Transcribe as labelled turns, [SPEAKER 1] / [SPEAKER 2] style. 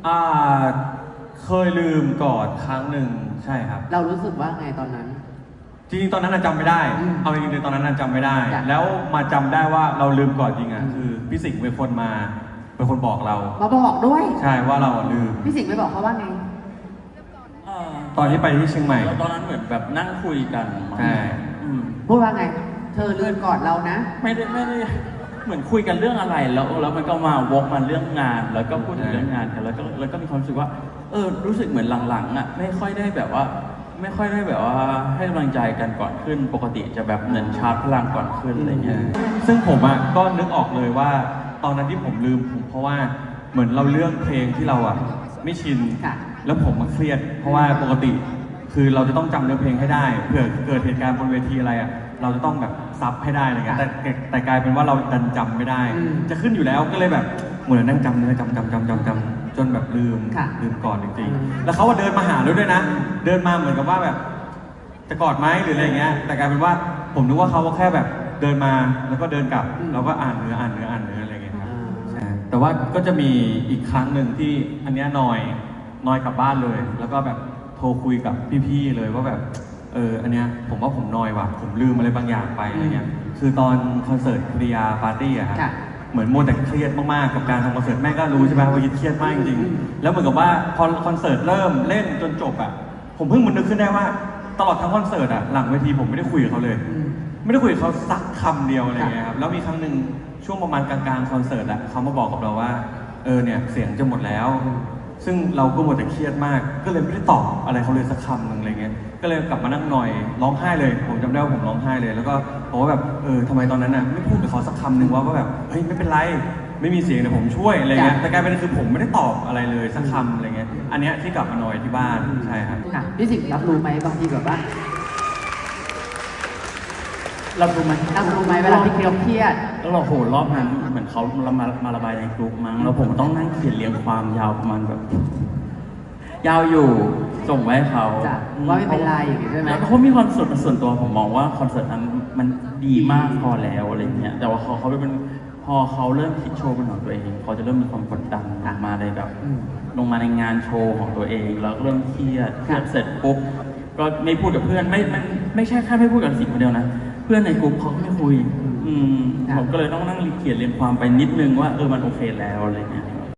[SPEAKER 1] อ่าเคยลืมกอดครั้งหนึ่งใช่ครับ
[SPEAKER 2] เรารู้สึกว่าไงตอนนั้น
[SPEAKER 1] จริงๆตอนนั้นจำไม่ได้เอาจริงๆตอนนั้นจำไม่ได้
[SPEAKER 2] จ้ะ
[SPEAKER 1] แล้วมาจำได้ว่าเราลืมกอดจริงอ่ะคือพี่สิงห์เป็นคนบอกเรา
[SPEAKER 2] มาบอกด้วย
[SPEAKER 1] ใช่ว่าเราลืม
[SPEAKER 2] พี่สิงห์ไปบอกเขาว่าไง
[SPEAKER 1] ตอนที่ไปที่เชียงใหม่
[SPEAKER 3] แล้วตอนนั้นเหมือนแบบนั่งคุยกัน
[SPEAKER 1] ใช่
[SPEAKER 2] พูดว่าไง เธอลืมก่อนเรานะ
[SPEAKER 3] ไม่ได้เหมือนคุยกันเรื่องอะไรแล้วมันก็มาวกมาเรื่องงาน แล้วก็พูดถึงเรื่องงานกันแล้วก็มีความรู้สึกว่ารู้สึกเหมือนหลังๆอ่ะไม่ค่อยได้แบบว่าให้กำลังใจกันก่อนขึ้นปกติจะแบบเหมือนชาร์จพลังก่อนขึ้นอะไรเงี้ย
[SPEAKER 1] ซึ่งผมอ่ะก็นึกออกเลยว่าตอนนั้นที่ผมลืมเพราะว่าเหมือนเราเลือกเพลงที่เราอ่ะไม่ชินแล้วผมมันเครียดเพราะว่าปกติคือเราจะต้องจำเนื้อเพลงให้ได้เผื่อเกิดเหตุการณ์บนเวทีอะไรอ่ะเราจะต้องแบบซับให้ได้อะไรเงี้ยแต่กลายเป็นว่าเราดันจำไม่ได้จะขึ้นอยู่แล้วก็เลยแบบเหมือนนั่งจำเนื้อจำจนแบบลืมก่อนจริงๆแล้วเขาว่าเดินมาหาด้วยนะเดินมาเหมือนกับว่าแบบจะกอดไหมหรืออะไรเงี้ยแต่กลายเป็นว่าผมนึกว่าเขาแค่แบบเดินมาแล้วก็เดินกลับแล้วก็อ่านเนื้ออะไรเงี้ยครับใช่แต่ว่าก็จะมีอีกครั้งหนึ่งที่อันเนี้ยนอยกลับบ้านเลยแล้วก็แบบโทรคุยกับพี่ๆเลยว่าแบบอันเนี้ยผมว่าผมนอยว่ะผมลืมอะไรบางอย่างไปอะไรเงี้ยคือตอนคอนเสิร์ตคริยาปาร์ตี้อะครับเหมือนโมแต่เครียดมากๆกับการทำคอนเสิร์ตแม่ก็รู้ใช่ไหมว่าเครียดมากจริงๆแล้วเหมือนกับว่าพอคอนเสิร์ตเริ่มเล่นจนจบอะผมเพิ่งนึกขึ้นได้ว่าตลอดทั้งคอนเสิร์ตอะหลังเวทีผมไม่ได้คุยกับเขาเลยไม่ได้คุยกับเขาสักคำเดียวอะไรเงี้ยครับแล้วมีครั้งหนึ่งช่วงประมาณกลางๆคอนเสิร์ตอะเขามาบอกกับเราว่าเนี่ยเสียงจะหมดแล้วซึ่งเราก็หมดแต่เครียดมากก็เลยไม่ได้ตอบอะไรเขาเลยสักคำหนึ่งอะไรเงี้ยก็เลยกลับมานั่งหน่อยร้องไห้เลยผมจำได้ว่าผมร้องไห้เลยแล้วก็บอกว่าแบบทำไมตอนนั้นน่ะไม่พูดกับเขาสักคำหนึ่งว่าแบบเฮ้ยไม่เป็นไรไม่มีเสียงเดี๋ยวผมช่วยอะไรเงี้ยแต่กลายเป็นคือผมไม่ได้ตอบอะไรเลยสักคำอะไรเงี้ยอันเนี้ยที่กลับมาหน่อยที่บ้านใช่ครับ
[SPEAKER 2] พี่สิงห์รับรู้ไหมบางทีแบบว่ารับรู้ไหมเวลาที่เครียด
[SPEAKER 3] แล้วเราโหรอบนั้นเหมือนเขามาระบายในกลุ่มมั้งแล้วผมต้องนั่งเขียนเรียงความยาวประมาณแบบยาวอยู่ส่งไว้ให้เขา
[SPEAKER 2] ว่าไม่เป็นไรอย่างงี้ใช่ไหม
[SPEAKER 3] แล้วเขามีความส่วนตัวผมมองว่าคอนเสิร์ตนั้นมันดีมากพอแล้วอะไรเงี้ยแต่ว่าเขาเป็นพอเขาเริ่มคิดโชว์เป็นของตัวเองเขาจะเริ่มมีความกดดันมาในแบบลงมาในงานโชว์ของตัวเองแล้วเริ่มเครียดเสร็จปุ๊บก็ไม่พูดกับเพื่อนไม่ใช่แค่ไม่พูดกับสิงคนเดียวนะเพื่อนในกลุ่มเขาก็ไม่คุยผมก็เลยต้องนั่งเขียนเรียนความไปนิดนึงว่ามันโอเคแล้วอะไรเงี้ย